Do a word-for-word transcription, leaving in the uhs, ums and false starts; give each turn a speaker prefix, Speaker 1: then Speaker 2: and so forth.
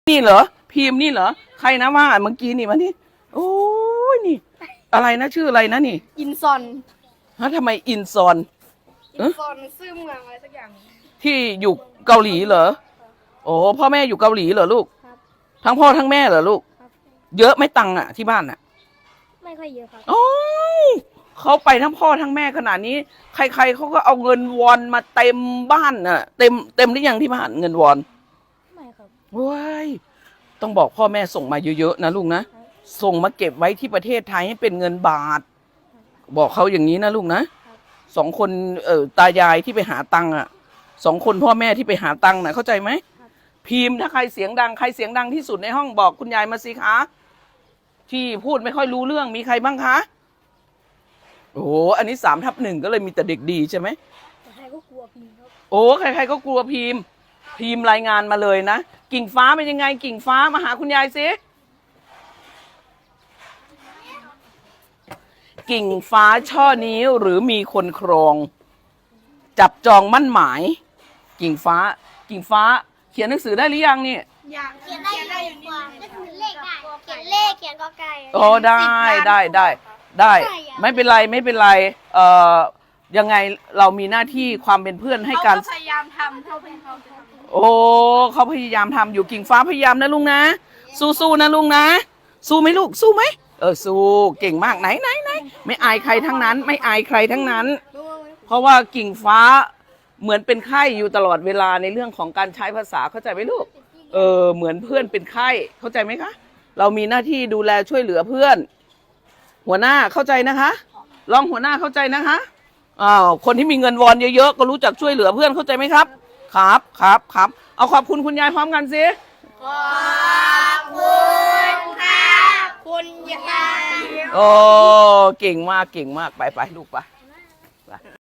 Speaker 1: นี่เหรอพิมพ์นี่เหรอใครนะว่าเมื่อกี้นี่มานี่โอ้ยนี่อะไรนะชื่ออะไรนะนี่
Speaker 2: อินซอน
Speaker 1: ฮะทำไมอินซอน
Speaker 2: อินซอนซื่อเมืองอะไรสักอย่าง
Speaker 1: ที่อยู่เกาหลีเหรอโอ้พ่อแม่อยู่เกาหลีเหรอลูก
Speaker 2: ครับ
Speaker 1: ทั้งพ่อทั้งแม่เหรอลูกเยอะไม่ตังค์อะที่บ้านอะ
Speaker 2: ไม่ค่อยเยอะครับ
Speaker 1: โอ้เขาไปทั้งพ่อทั้งแม่ขนาดนี้ใครๆเขาก็เอาเงินวอนมาเต็มบ้านน่ะเต็มเต็มหรือยังที่บ้านเงินวอน
Speaker 2: ไม่ครับ
Speaker 1: ว้ายต้องบอกพ่อแม่ส่งมาเยอะๆนะลูกนะส่งมาเก็บไว้ที่ประเทศไทยให้เป็นเงินบาทบอกเขาอย่างนี้นะลูกนะสองคนเอ่อตายายที่ไปหาตังค์อ่ะสองคนพ่อแม่ที่ไปหาตังค์น่ะเข้าใจไหมพิมพ์ถ้าใครเสียงดังใครเสียงดังที่สุดในห้องบอกคุณยายมาสิคะที่พูดไม่ค่อยรู้เรื่องมีใครบ้างคะโอ้โหอันนี้สามทับหนึ่งก็เลยมีแต่เด็กดีใช่ไหม
Speaker 2: ใครก็กลัวพิมพ์ครับ
Speaker 1: โอ้ใครๆก็กลัวพิมพ์พิมพ์รายงานมาเลยนะกิ่งฟ้าเป็นยังไงกิ่งฟ้ามาหาคุณยายสิกิ่งฟ้าช่อนี้หรือมีคนครองจับจองมั่นหมายกิ่งฟ้ากิ่งฟ้าเขียนหนังสือได้หรือยังนี่
Speaker 2: อยากเขียนได้ได้อยู่นี่เขียนเลขได้เขียนเลขเขียนกอไก่
Speaker 1: โอ้ได้ได้ได้ได้ไม่เป็นไรไม่เป็นไรเอ่อยังไงเรามีหน้าที่ความเป็นเพื่อนให้กัน
Speaker 2: พยายามทำเท่าที่เขาจะ
Speaker 1: โอ้เขาพยายามทำอยู่กิ่งฟ้าพยายามนะลุงนะสู้ๆนะลุงนะสู้ไหมลูกสู้ไหมเออสู้เก่งมากไหนไหนไหนไม่อายใครทั้งนั้นไม่อายใครทั้งนั้นเพราะว่ากิ่งฟ้าเหมือนเป็นไข้อยู่ตลอดเวลาในเรื่องของการใช้ภาษาเข้าใจไหมลูกเออเหมือนเพื่อนเป็นไข้เข้าใจไหมคะเรามีหน้าที่ดูแลช่วยเหลือเพื่อนหัวหน้าเข้าใจนะคะรองหัวหน้าเข้าใจนะคะอ้าวคนที่มีเงินวอนเยอะๆก็รู้จักช่วยเหลือเพื่อนเข้าใจไหมครับครับครับครับเอาขอบคุณคุณยายพร้อมกันสิ
Speaker 2: ขอบคุณค่ะคุณยาย
Speaker 1: โอ้เก่งมากเก่งมากไปไปลูกไป